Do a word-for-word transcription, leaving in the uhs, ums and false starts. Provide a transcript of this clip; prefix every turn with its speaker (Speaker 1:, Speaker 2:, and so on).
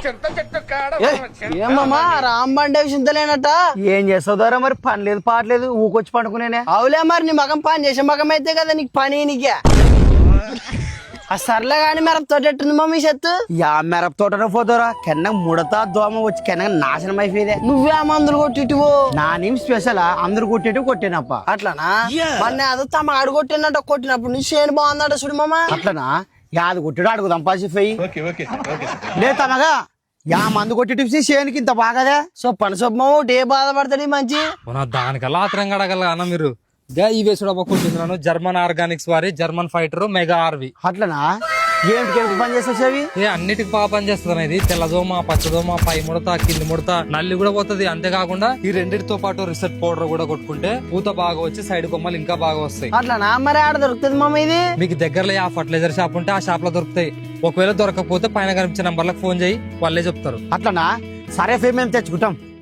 Speaker 1: ఏమమ్మా రాంబండే చింతలేనట
Speaker 2: ఏం చేస్తావు ద్వారా మరి పని లేదు పాటలేదు ఊకొచ్చి పండుకునేనే.
Speaker 1: అవులే మరి నీ మగం పని చేసే మగం అయితే కదా నీకు పని నీకే ఆ సర్లే గాని మిరప తోట ఎట్టుంది మమ్మీ చెత్తు
Speaker 2: యా మిరప తోటలో పోతారా కెన్న ముడతా దోమ వచ్చి కెన్న నాశనం అయిపోయేదే.
Speaker 1: నువ్వే మందులు కొట్టిటివో
Speaker 2: నా నేమ్ స్పెషల్ అందరు కొట్టేటి కొట్టానప్ప.
Speaker 1: అట్లనా మొన్న అదో తమ అడుగు కొట్టినట్టు కొట్టినప్పుడు నీ చేను బాగుందట చూడు మామ.
Speaker 2: అట్లనా యాది కొట్టాడు అడుగుదాం పాసిపోయి లే తమగా యా మందు కొట్టి టిప్స్ చేయనికి ఇంత బాగాదే.
Speaker 1: సో పని సొమ్మ ఏ బాధపడతాడు మంచి
Speaker 3: దానికల్లా ఆత్రం గడగల అన్న మీరు ఈ వేసుడు కొట్టించున్నాను జర్మన్ ఆర్గానిక్స్ వారి జర్మన్ ఫైటర్ మెగా ఆర్వి.
Speaker 2: అట్లనా ఏంటికి ఎందుకు పని చేస్తావు చెవి?
Speaker 3: ఏ అన్నిటికి బాగా పని చేస్తుంది ఇది. తెల్లదోమ పచ్చదోమ పై ముడత కింది ముడత నల్లి కూడా పోతుంది. అంతేకాకుండా ఈ రెండింటితో పాటు రిసెట్ పౌడర్ కూడా కొట్టుకుంటే పూత బాగా వచ్చి సైడ్ కొమ్మలు ఇంకా బాగా వస్తాయి.
Speaker 1: అట్లనా మరి ఆడ దొరుకుతుంది మమ్మ ఇది?
Speaker 3: మీకు దగ్గరలో ఆ ఫర్టిలైజర్ షాప్ ఉంటే ఆ షాప్ లో దొరుకుతాయి. ఒకవేళ దొరకకపోతే పైన కనిపించే నంబర్లకు ఫోన్ చేయి వాళ్ళే చెప్తారు.
Speaker 2: అట్లనా సరే ఫే మేము తెచ్చుకుంటాం.